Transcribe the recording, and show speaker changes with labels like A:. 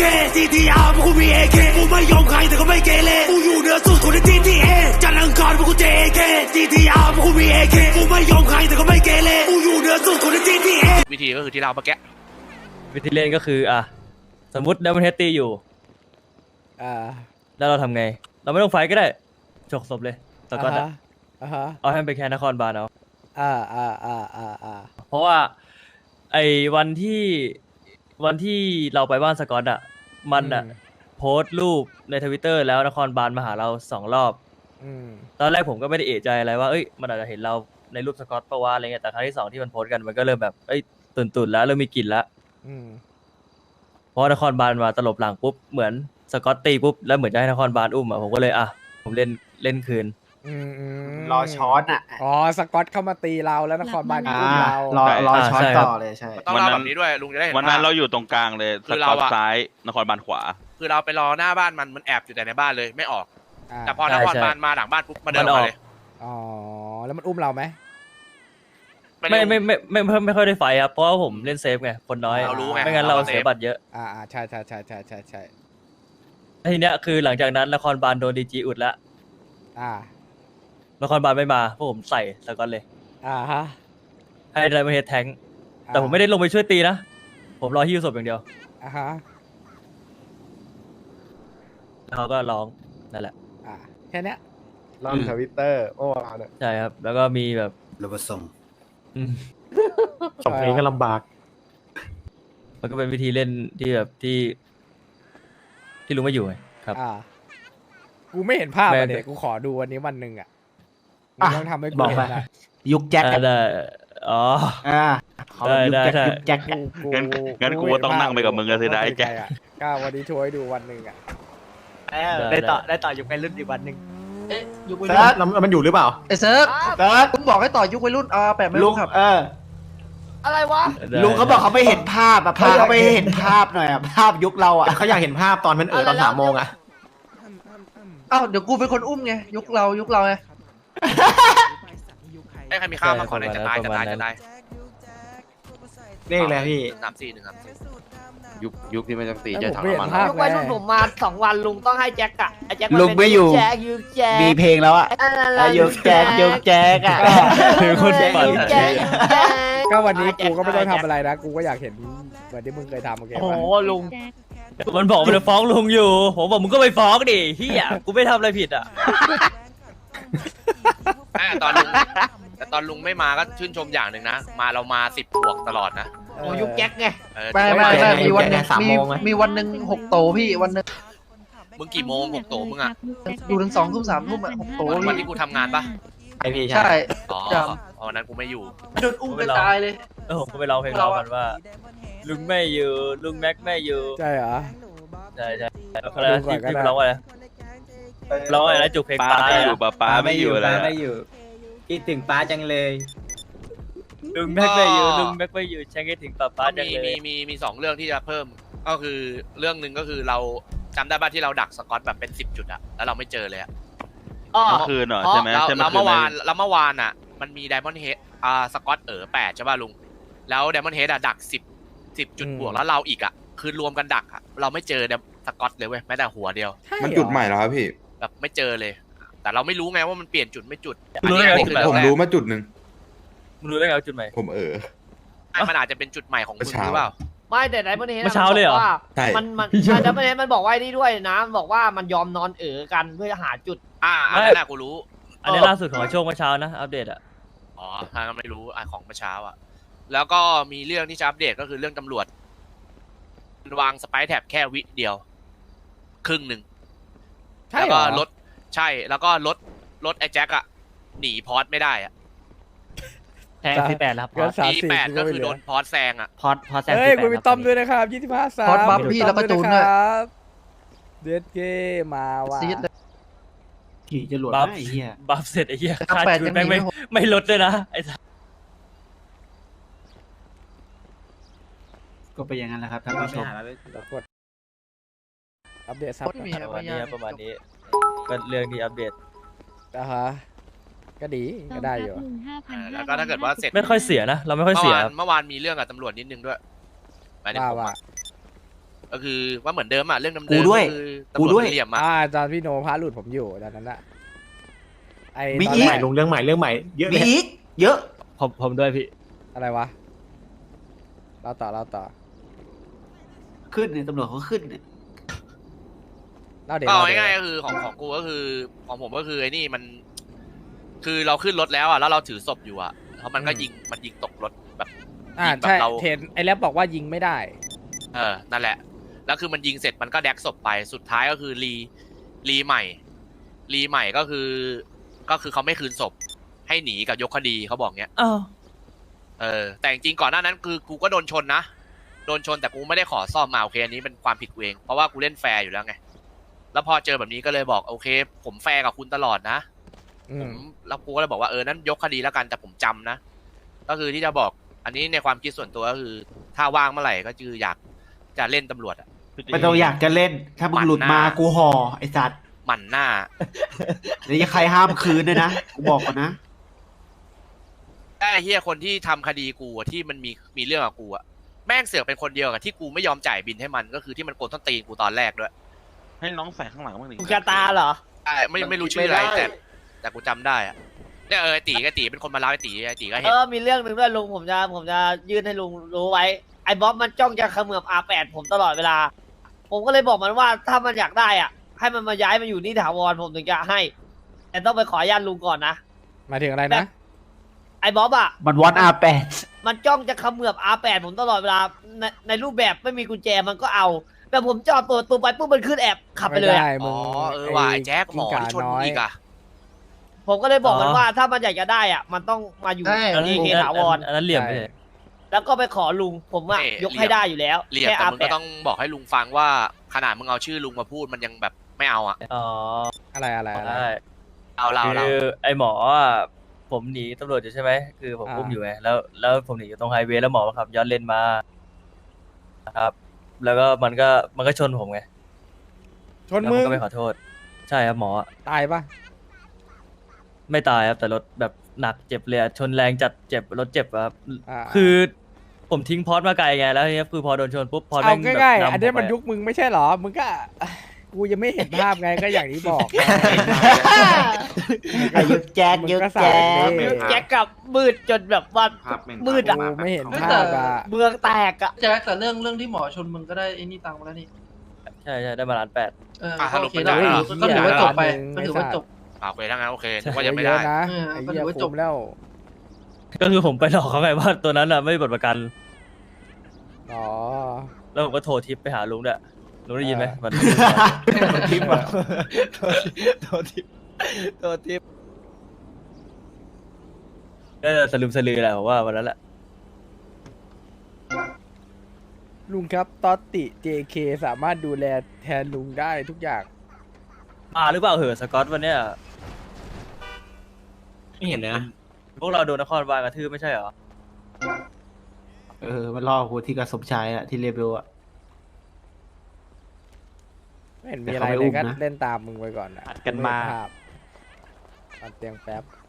A: GTR พวกกูมี AK กูไม่ยอมใครแต่ก็ไม่เกเรกูอยู่เหนือสุดคนใน GTA จันทร์อังคารพวกกู JK GTR พวกกูมี AK กูไม่ยอมใครแต่ก็ไม่เกเรกูอยู่เหนือสุดคนใน GTA
B: วิธีก็คือที่เราเมื่อกี้
C: วิธีเล่นก็คือสมมติดับเบิลเฮดตีอยู่แล้วเราทำไงเราไม่ต้องไฟก็ได้ฉกศพเลยสกอตเอาให้มันไปแค่นครบาลเอาเพราะว่าไอ้วันที่เราไปบ้านสกอตมันโพสต์รูปในทวิตเตอร์แล้วนครบาลมาหาเรา2 รอบตอนแรกผมก็ไม่ได้เอะใจอะไรว่ามันอาจจะเห็นเราในรูปสกอตปะวะอะไรเงี้ยแต่ครั้งที่2ที่มันโพสต์กันมันก็เริ่มแบบตื่นแล้วเริ่มมีกลิ่นแล้วเพราะนครบาลมาตลบหลังปุ๊บเหมือนสกอตตีปุ๊บแล้วเหมือนจะให้นครบาลอุ้มผมก็เลยผมเล่นคืน
D: รอช็อต
E: สกอตเข้ามาตีเราแล้วนครบาลอุ้มเรา
D: รอช็อตต่อเลยใช่
B: ต้องเล่าแบบนี้ด้วยลุงจะได้เห็น
F: วันนั้นเราอยู่ตรงกลางเลยสกอตซ้ายนครบาลขวา
B: คือเราไปรอหน้าบ้านมันแอบอยู่แต่ในบ้านเลยไม่ออกแต่พอนครบาลมาหลังบ้านปุ๊บมาเดินออกเลย
E: แล้วมันอุ้มเราไหม
C: ไม่ค่อยได้ไฟครับเพราะว่าผมเล่นเซฟไงคนน้อย
B: เรารู้ไง
C: ไม่งั้นเราเสียบัตรเยอะ
E: ใช่
C: ทีเนี้ยคือหลังจากนั้นนครบาลโดนดีจีอุดแล้วนครบาลไม่มาพวกผมใส่สกอตเลยให้ไดมอนด์เฮดแทงแต่ผมไม่ได้ลงไปช่วยตีนะผมรอฮิ้วศพอย่างเดียวแล้วเขาก็ร้องนั่นแหละ
E: แค่นี้
D: ลองทวิตเตอร์โอ้เนี่ย
C: ใช่ครับแล้วก็มีแบบ
D: ระบบส่งเพลงก็ลำบาก
C: มันก็เป็นวิธีเล่นที่แบบที่ลุงไม่อยู่ไงครับ
E: กูไม่เห็นภาพเลยกูขอดูวันนี้วันหนึ่งมึงต้องทำให้กูเห็น
D: ยุคแจ็ค
C: ได้ได้
D: ยุคแจ็ค
F: งั้นกูต้องนั่งไปกับมึงกันสิได้แจ็ค
E: ก้าวันนี้ช่วยดูวันหนึ่ง
D: ได้ต่อยุคไปรุ่นอีกวันหนึ่ง
E: ยุควัยรุ่น
D: แล้วมันอยู่หรือเปล่า
E: เซิร์ฟผมบอกให้ต่อยุควัยรุ่นแปะไม่รู้ครับอะไรวะ
D: ลุงเขาบอกเขาไม่เห็นภาพพาเขาไปเห็นภาพหน่อยภาพยุคเราเขาอยากเห็นภาพตอนมันตอน3 โมง
E: เดี๋ยวกูเป็นคนอุ้มไงยุคเราไง
B: ใครมีข้าวมาขอเลยจะตาย
D: นี่เลยพี่
F: ยุคที่ไม่ต้องตีจะทำมัน
E: ยุควัยรุ่นผมมา2 วันลุงต้องให้แจ็คแจ็ค
D: ลุงไม่อยู่มีเพลงแล้วยุคแจ็ค
C: คือคนปั่น
E: ก็วันนี้กูก็ไม่ต้องทำอะไรนะกูก็อยากเห็นเหมือนที่มึงเคยทำโอเคป่ะ
B: โอ้ลุง
C: มันบอกมันจะฟ้องลุงอยู่ผมบอกมึงก็ไปฟ้องดิเฮียกูไม่ทำอะไรผิด
B: ตอนลุงไม่มาก็ชื่นชมอย่างหนึ่งนะเรามา10 บวกตลอดนะ
E: ยุคแจ็คไงไม่มีวันนึงมีวันนึง6 โตพี่วันนึง
B: มึงกี่โมง6 โตมึง
E: อยู่ถึง2 ทุ่ม 3 ทุ่ม6 โต
B: วันที่กูทำงานปะ
E: ใช่
B: วันนั้นกูไม่อยู่
E: โดนอุ้มไปตายเลย
C: ผมก็ไปร้องเพลงเรากันว่าลุงไม่อยู่ลุงแม็กไม่อยู่
E: ใช่เหรอ
C: ใช่ที่ร้องอะไรร้องอะไรนะจุกเพลง
F: ป้าไม่อยู่ป้าไม่อยู่แล้ว
D: คิดถึงป้าจังเลย
C: ลุงแม็กไม่อยู่ลุงแม็กไม่อยู่ฉันคิดถึงป้าจังเลย
B: มี2 เรื่องที่จะเพิ่มก็คือเรื่องหนึ่งก็คือเราจำได้ป่ะที่เราดักสกอตแบบเป็น10 จุดแล้วเราไม่เจอเลย
F: เมื่อคืนเหรอใช่ไหม
B: แล้วเมื่อวานมันมีไดมอนด์เฮดสกอต8ใช่ป่ะลุงแล้วไดมอนด์เฮดดัก10 จุดบวกแล้วเราอีกคือรวมกันดักเราไม่เจอสกอตเลยเว้ยแม้แต่หัวเดียว
G: มันจุดใหม่แล้วครับพี่
B: แบบไม่เจอเลยแต่เราไม่รู้ไงว่ามันเปลี่ยนจุดไม่จุด
G: ผมรู้มาจุดหนึ่ง
C: รู้ได้ไงจุดใหม่
G: ผม
B: มันอาจจะเป็นจุดใหม่ของคุณหรือเปล่า
E: ไม่แต่ไดมอนด์เฮด
C: เช้าเลยเหรอ
E: มันไดมอนด์เฮดมันบอกว่านี่ด้วยนะบอกว่ามันยอมนอนกันเพื่อหาจุด
B: อันนั้นกูรู้
C: อันนี้ล่าสุดของช่วงเมื่อเช้านะอัปเดต
B: ถ้าไม่รู้ของเมื่อเช้าแล้วก็มีเรื่องที่จะอัปเดตก็คือเรื่องตำรวจวางสไปร์แท็บแค่วิเดียวครึ่งหนึ่งแล้วก็แล้วก็รถไอ้แจ็คหนีพอร์ตไม่ได้
C: แทง18ครับ
B: 18ก็คือโดนพอร์ตแซง
C: พอร์ตแซง
E: คุณมีต้อมด้วยนะครับ25 3พอร์ตบัฟพี่แล้วก็จูนด้วยเดดเกมาว่ะ
D: ขี่จะหลุดไอ้เหี้ย
C: บัฟเสร็จไอ้เหี้ยค่าจูนไม่ลดด้วยนะไอ้
D: ก็ไปอย่างนั้นแหละครับท่านผู้ชม
E: อัปเดตซับ
C: ประมาณนี้ก็เรื่องที่อัปเดต
E: ก็ดีก็ได้อยู่
B: แล้วก็ถ้าเกิดว่าเสร็จ
C: ไม่ค่อยเสียนะเราไม่ค่อยเสีย
B: เมื่อวานมีเรื่องกับตำรวจนิดนึงด้วย
E: ว่า
B: ก็คือว่าเหมือนเดิมอะเรื่องเดิม
D: กูด้วย
B: ก็คือ
D: กู
B: ตำร
D: ด้
B: ว
D: วย
B: จเหลี่ยมอะ
E: ตอนพี่โนพาหลุดผมอยู่ตอนนั้นอะไอ
D: มี
E: ตอน
D: อีก
E: แรก
H: ลงเรื่องใหม่เรื่องใหม่เยอะเล
D: มี
H: ย
D: อีกเยอะ
C: ผมด้วยพี่
E: อะไรวะเราต่อ
D: ขึ้นเนี่ยตำรวจเขาขึ้นเนี่ย
E: เล่าเดี๋ยว
B: ก็
E: เล่าเดี๋ยว
B: ง่ายๆก็คือของกูก็คือของผมก็คือไอ้นี่มัน คือเราขึ้นรถแล้วอะแล้วเราถือศพอยู่อะแล้วมันก็ยิงตกรถแบบ ยิงแบบ
E: ใช่
B: เรา
E: เทนไอแรปบอกว่ายิงไม่ได้
B: นั่นแหละ แล้วคือมันยิงเสร็จมันก็แดกศพไปสุดท้ายก็คือรีใหม่ก็คือเขาไม่คืนศพให้หนีกับยกคดีเขาบอกเงี้ย
C: อ้าว
B: แต่จริงๆก่อนหน้านั้นคือกูก็โดนชนนะโดนชนแต่กูไม่ได้ขอซ่อมมาโอเคอันนี้เป็นความผิดกูเองเพราะว่ากูเล่นแฟร์อยู่แล้วไงแล้วพอเจอแบบนี้ก็เลยบอกโอเค ผมแฟร์กับคุณตลอดนะผมแล้วกูก็เลยบอกว่านั้นยกคดีแล้วกันแต่ผมจำนะก็คือที่จะบอกอันนี้ในความคิดส่วนตัวก็คือ ถ้าว่างเมื่อไหร่ก็คืออยากจะเล่นตำรวจอะ
D: ไม่ต้องอยากจะเล่น ถ้ามึงหลุดมากูห่อไอ้สัตว์
B: หมั่นหน้า
D: เดี๋ยวใครห้ามคืนด้วยนะกูบอกก่อนนะ
B: ไอ้เฮียคนที่ทำคดีกูอะที่มันมีเรื่องกับกูอะแม่งเสือกเป็นคนเดียวกับที่กูไม่ยอมจ่ายบินให้มันก็คือที่มันโกนต้นตีนกูตอนแรกด้วย
F: ให้น้องใส่ข้างหลังบ้างดิ
I: กูกาตาเหรอ
B: ใช่ไม่รู้ชื่ออะไรแต่กูจำได้อะเนี่ยไอ้ตีเป็นคนมาเล่าไอ้ตีก็เห็น
I: มีเรื่องหนึ่งด้วยลุงผมจะยื่นให้ลุงรู้ไว้ไอ้บ๊อบมันจ้องจะเขมือบ R8 ผมตลอดเวลา ผมก็เลยบอกมันว่าถ้ามันอยากได้อ่ะ ให้มันมาย้ายมาอยู่นี่ถาวรผมถึงจะให้ แต่ต้องไปขออนุญาตลุงก่อนนะ
E: หมายถึงอะไรนะ
I: ไอ้บ๊อบอ่ะ
D: มันวอนR8
I: มันจ้องจะเขมือบ R8 ผมตลอดเวลาในรูปแบบไม่มีกุญแจมันก็เอา แต่ผมจอดตัวไปปุ๊บมันขึ้นแอบขับไปเลย
E: ไม่
I: อะ
E: ได้
B: อ๋
E: มึ
B: อง ว่ะไอ้แจ็คหมอที่ชนกูอีกอะ
I: ผมก็เลยบอกมันว่าถ้ามันอยากจะได้อ่ะ มันต้องมาอยู่ที่เคถาวร
C: อันนั้นเหลี่ยมไปเลย
I: แล้วก็ไปขอลุงผมอ่ะยกให้ได้อยู่แล้ว
B: เหลี่ยม
I: แค่
B: แต่มึง
I: R8
B: ก็ต้องบอกให้ลุงฟังว่าขนาดมึงเอาชื่อลุงมาพูดมันยังแบบไม่เอาอะ
C: อ๋อ
E: อะไร
C: ใช่
B: เรา
C: คือไอหมออะผมหนีตำรวจอยู่ใช่ไหมคือผมอุ้มอยู่ไงแล้วผมหนีอยู่ตรงไฮเวย์แล้วหมอมาขับย้อนเลนมาครับ แล้วก็มันก็ชนผมไง
E: ชน
C: แล้ว
E: มึ
C: มัน
E: ง
C: ก็ไม่ขอโทษ ใช่ครับหมออะ
E: ตายปะ
C: ไม่ตายครับแต่รถแบบหนักเจ็บเลยอะชนแรงจัดเจ็บรถเจ็บอะครับ
E: า
C: คือผมทิ้งพอสมาไกลไงแล้วทีนี้คือพอโดนชนปุ๊บพอ
E: เอา
C: แม่งแบบ
E: ง่ายๆ
C: นำ
E: อันนี้
C: ผ
E: มัน
C: ไป
E: ยุคมึงไม่ใช่เหรอ มึงก็ กูยังไม่เห็นภาพไงก็อย่างที่บอก
D: ไอ้ยุกแจ๊กยุกแจ๊ก
E: มึงก็สาย
I: แจ็คกับมืดจนแบบว่ามืดอ่ะ
E: กูไม่เห็นภาพอ่ะ
I: เมืองแตกอ่ะ
J: แจ็คแต่เรื่องที่หมอชนมึงก็ได้ไอ้นี่ตังค์มาแล้วนี่
C: ใช่ได้มา1,800,000
J: ก็โอเคแล้วก็ถือว่าจบไปก็ถือว่าจบ
B: โอเคทั้งนั้นโอเคนึกว่ายังไม่ได้
E: เยอะนะ
J: เออ
E: ไอ้
J: ก็
E: เหี้
J: ถื
E: ย
J: อว่าจ
E: จ
J: บ
E: บแล้ว
C: ก็คือผมไปหลอกเขาไงว่าตัวนั้นอ่ะไม่มีบัตรประกัน
E: อ๋อ
C: แล้วผมก็โทรทิปไปหาลุงด้วยลุงได้ยินไหม
E: เออ
C: มัน
H: ทิปอ่ะ
C: โทรทิปก็สลืมสลือแหละผมว่าวันนั้นแหละ
E: ลุงครับตอตติ JK สามารถดูแลแทนลุงได้ทุกอย่าง
C: มาหรือเปล่าเหอะสกอตวันเนี้ย
H: ไม่เห็นเลยนะ
C: พวกเราโดนนครบาลกระทืบไม่ใช่เหรอ
D: มันล่อกูที่กระสมชายอะที่เรเบลอะ
E: ไม่เห็นมี
D: แต่
E: อะไร
D: เขาไม่
E: เล
D: อุ้
E: ย
D: ม
E: ก็
D: นะ
E: เล่นตามมึงไปก่อนนะ
D: อัดกันมา
E: ภพตัดเตียงแป๊บ